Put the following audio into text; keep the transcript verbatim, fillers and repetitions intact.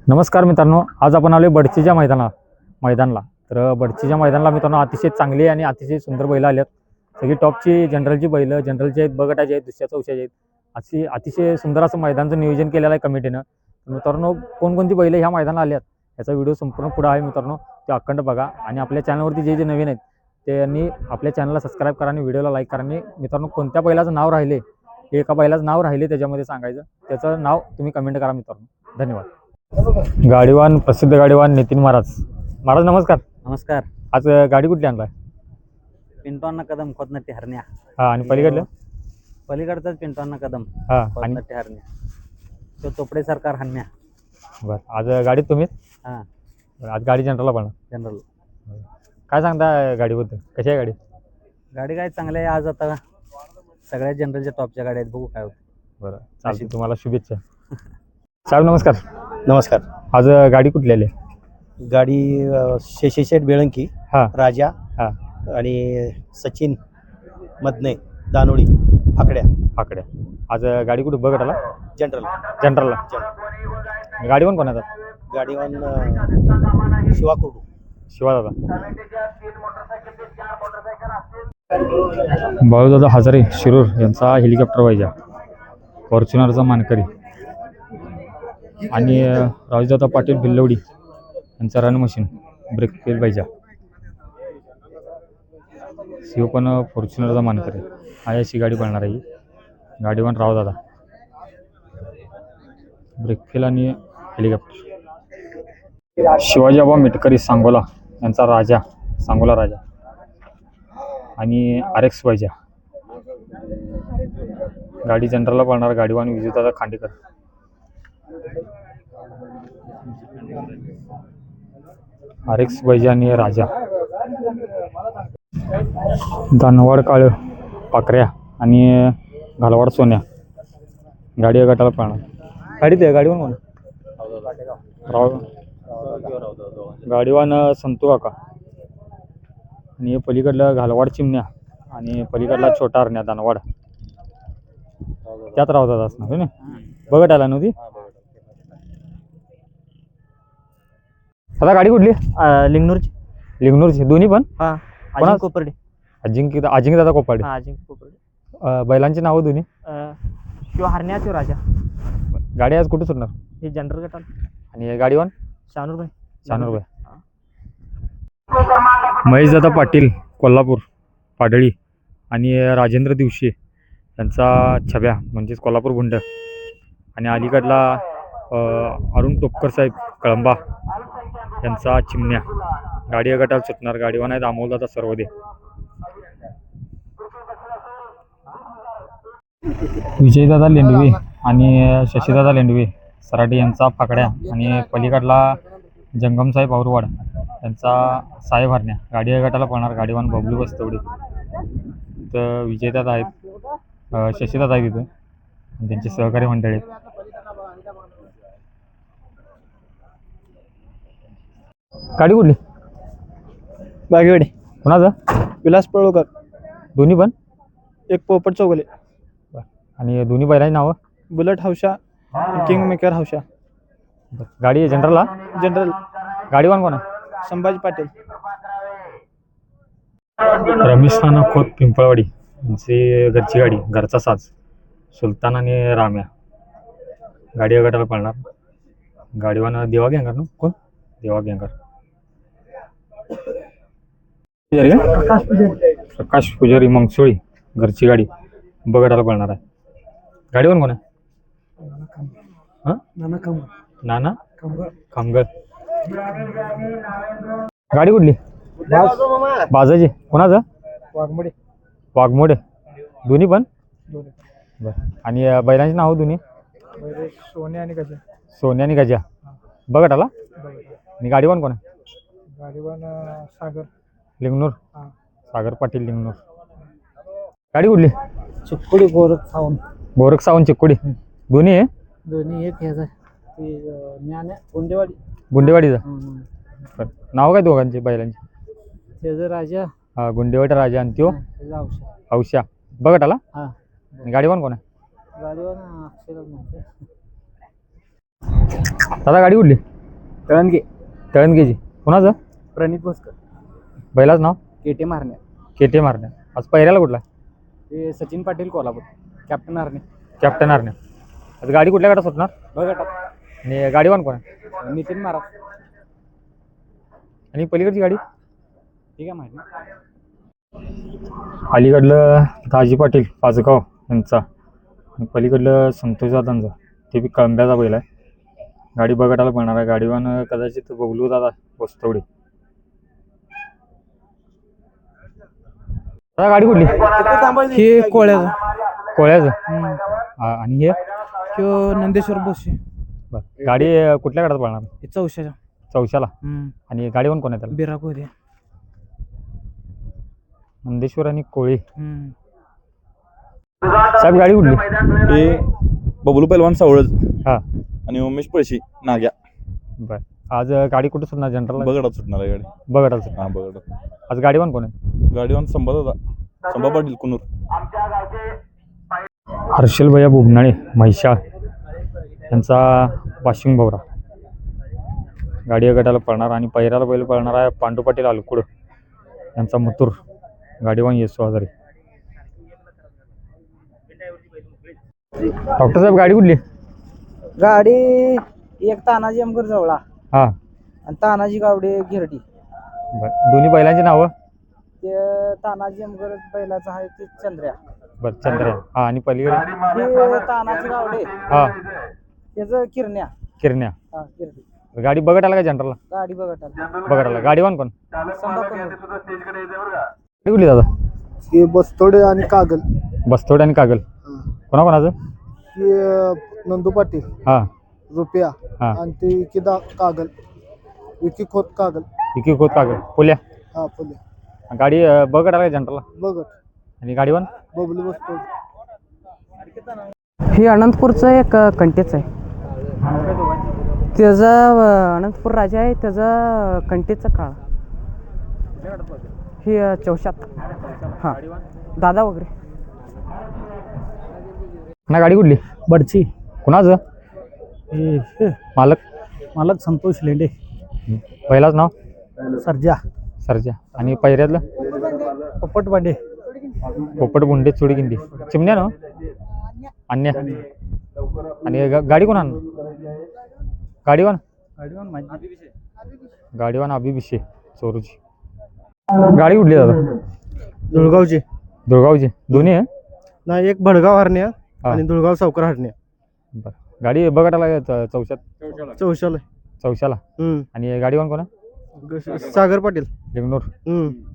नमस्कार मित्रांनो, आज आपण आलो बडचीच्या मैदाना मैदानला तर बडचीच्या मैदानाला मित्रांनो अतिशय चांगली आणि अतिशय सुंदर बैल आलेत. सगळी टॉपची जनरलची बैल जनरलचे आहेत, बगटाचे आहेत, दुसऱ्या चौशाचे आहेत. अशी अतिशय सुंदर असं मैदानाचं नियोजन केलेलं आहे कमिटीनं. मित्रांनो कोणकोणती बैल ह्या मैदानाला आल्यात याचा व्हिडिओ संपूर्ण पुढे आहे मित्रांनो, ते अखंड बघा. आणि आपल्या चॅनलवरती जे जे नवीन आहेत त्यांनी आपल्या चॅनलला सबस्क्राईब करा आणि व्हिडिओला लाईक करा. आणि मित्रांनो कोणत्या बैलाचं नाव राहिले, एका बैलाचं नाव राहिले त्याच्यामध्ये सांगायचं, त्याचं नाव तुम्ही कमेंट करा मित्रांनो. धन्यवाद. गाडीवान प्रसिद्ध गाडीवान नितीन महाराज. महाराज नमस्कार. नमस्कार. आज गाडी कुठली आणलाय? पिंटवांना कदम खोदनट्टी हरण्या. हा, आणि पलीकडलं पलीकडचाच पिंटवांना कदम हा आणि खोदनट्टी हरण्या, तो चोपडे सरकार हरण्या. बरं, आज गाडीत तुम्हीच? हां, आज गाडी जनरलला पण जनरल. काय सांगता गाडीबद्दल, कशी आहे गाडी? गाडी काय चांगली आहे. आज आता सगळ्या जनरलच्या टॉपच्या गाड्या आहेत, बघू काय होतं. बरं, चालते. तुम्हाला शुभेच्छा. साहेब नमस्कार. नमस्कार. आज गाडी कुठली आली? गाडी शेषेशेठ बेळंकी, हा राजा हा आणि सचिन मदने दानोळी आकड्या आकड्या. आज गाडी कुठे बघत आला? जनरल जनरलला. गाडी पण कोणाचा? गाडीवान शिवा कुर्डू. शिवा दादा. बाळूदादा हजारे शिरूर यांचा हेलिकॉप्टर पाहिजे, फॉर्च्युनरचा मानकरी. आणि राजदादा पाटील भिल्लवडी यांचा रन मशीन ब्रेक फेल पाहिजे. शिव पण फॉर्च्युनरचा मानकरी आहे, अशी गाडी पळणार आहे. गाडीवान रावदादा ब्रेक फेल आणि हेलिकॉप्टर. शिवाजीबा मेटकरी सांगोला यांचा राजा, सांगोला राजा आणि आर एक्स पाहिजे. गाडी जनरलला पळणार. गाडीवान विजयदादा खांडेकर. आर एक्स पाहिजे आणि राजा. दानवाड काळ पाकऱ्या आणि घालवाड सोन्या गाडी या गटाला पळणार. गाडी ते गाडीवान कोण? राव गाडीवान संतू काका. आणि पलीकडला घालवाड चिमण्या आणि पलीकडला छोटा हरण्या दानवाड. त्यात राहतात असणार ना, बघत आला नव्हती. आता गाडी कुठली? लिंगनूरची. लिंगनूरची दोन्ही पण? हा, कोणा? अजिंक्य कोपर्डे. अजिंक्य अजिंक्य दादा कोपाडे. हा, अजिंक्य कोपर्डे. बैलांची नावं दोन्ही? शिव हरण्या, शिव राजा. गाडी आज कुठे सुटणार? हे जनरल गटाला. आणि गाडीवान शानूरभाई. शानूरभाई. महेशदादा पाटील कोल्हापूर पाडळी आणि राजेंद्र दिवशी यांचा छब्या म्हणजेच कोल्हापूर गुंड. आणि अलीकडला अरुण टोपकर साहेब कळंबा यांचा चिमण्या. गाडी या गटाला सुटणार. गाडीवान आहेत अमोलदादा सर्वदे. विजयदादा लेंडवे आणि शशीदादा लेंडवे सराटी यांचा फाकड्या. आणि पलीकडला जंगमसाहेब औरवाड यांचा साहेब हरण्या. गाडी या गटाला पळणार. गाडीवान बबलू बस्तवडे. तर विजयदादा आहेत, शशीदादा आहेत तिथं आणि त्यांचे सहकारी मंडळी आहेत. गाडी कुठली? बागेवाडी. कोणाचं? विलास पळोकर. दोन्ही पण? एक पोपट चौगले. आणि दोन्ही बैलांची नावं? बुलेट हौशा, किंग मेकर हौशा. गाडी जनरलला? जनरल. गाडीवान कोण आहे? संभाजी पाटील. रमेश नाना खोत पिंपळवाडी यांची घरची गाडी, घरचा साज सुलतान आणि राम्या. गाडी या गटाला पळणार. गाडीवान देवा गँगर ना? कोण? देवा गँगर. प्रकाश पुजारी मंगसोळी घरची गाडी बगटाला पळणार आहे. गाडीवान कोण आहे? नाना खामगळ. गाडी कुठली? बाजाजी. कोणाचं? वाघमोडे. वाघमोडे. दोन्ही पण? बरं. आणि बैलांची नाव दोन्ही? सोने आणि गजा. सोन्या आणि गजा बघत आला. आणि गाडीवान कोण आहे? गाडीवान सागर लिंगनूर. सागर पाटील लिंगनूर. गाडी कुठली? चिक्कुडी गोरख सावंत. गोरख सावंत चिक्कुडी. दोन्ही आहे? दोन्ही एक ह्याचा ज्ञान गुंडेवाडी. गुंडेवाडीचा. बरं, नाव काय दोघांचे बैलांचे? त्याचं राजा. हा, गुंडेवाडी राजा आणि त्यो औषा. हौशा बघत आला. हा. गाडीवान कोण आहे? गाडीवान अक्षरच नव्हते. दादा गाडी कुठली? तळणगे तळणगेजी कुणाचं प्रणित भोसकर बैलाच नाव केटे मारणे केटे मारण्या आज पहिऱ्याला कुठला ते सचिन पाटील कोल्हापूर कॅप्टन मारणे कॅप्टन आरण्या आज गाडी कुठल्या गाडात सुटणार बघा आणि गाडीवान कोण आहे नितीन महाराज आणि पलीकडची गाडी ठीक आहे माहिती अलीकडलं दाजी पाटील पाचगाव यांचा आणि पलीकडलं संतोष दादांचा ते बी कळंब्याचा बैल आहे गाडी बघायला पडणार आहे गाडीवान कदाचित बबलू दादा वस्तवडे दादा गाडी कुठली हे कोळ्याचं कोळ्याचं हा, आणि हे किंवा नंदेश्वर बोसे बरं. गाडी कुठल्या गाडात पडणार हे चौशाच्या चौशाला आणि गाडीवान कोण आहे त्याला बिराक होते नंदेश्वर आणि कोळी साहेब गाडी कुठली हे बबलू पैलवान सावळज हा आणि उमेश पळशी नाग्या बर आज गाडी कुठं सुटणार जनरल बगडात सुटणार आहे गाडी बघायला हा बगडात आज गाडीवान कोण आहे गाडीवान संभा दादा संभा पाटील कुनूर हर्षल भैया बुबनाळे म्हैशाळ यांचा वाशिंग भवरा गाडी गटाला पळणार आणि पहिऱ्याला बैल पळणार आहे पांडू पाटील अलकुड यांचा मथुर गाडीवान येसो हजारे डॉक्टर साहेब गाडी कुठली गाडी एक तानाजी अमगर जवळा हां आणि तानाजी गावडे गिरडी बरं दोन्ही बैलांची नावं ते तानाजी अमगर बैलाचं आहे ते चंद्र्या बरं चंद्रया हां आणि पलीकडे हे तानाजी गावडे हां त्याचं किरण्या किरण्या हा गिरडी गाडी बघत आला का जनरलला गाडी बघत आली बघत आला गाडीवान कोण संभा करून गाडी कुठली दादा हे बस्तोडे आणि कागल बस्तोड आणि कागल कोणाकोणाचं हे नंदू पाटील हां रुपया हां आणि ते विकी दा कागल विकी खोत कागल विकी खोत कागल पुल्या हा फुले गाडी अं, बघत आला का जनरलला बघत आणि गाडीवान बबलू बस्तोड हे अनंतपूरचं एक कंटेच आहे त्याचा अनंतपूर राजा आहे त्याचा कंटेचा काळ हे अ, चौशात हां दादा वगैरे ना गाडी कुठली बडची कुणाचं हे हे मालक मालक संतोष लेंडे पहिलाच नाव सर्जा सरजा आणि पहिऱ्यातलं पोपट बांडे पोपट बुंडे चुडी गिंडी चिमण्या ना अन्य आणि गा- गाडी कोण आण गाडीवान गाडीवान माहिती गाडीवान अभिभिषे चोरूची गाडी कुठली दादा धुळगावचे दुर्गावची दोन्ही आहे नाही एक भडगाव हरण्या हा. आणि धुळगाव सावकर हरण्या बरं गाडी बघायला लागेल च- चौशात चौशाला चौशाला हम्म आणि गाडीवान कोण आहे ग- सागर पाटील लिंगनूर हम्म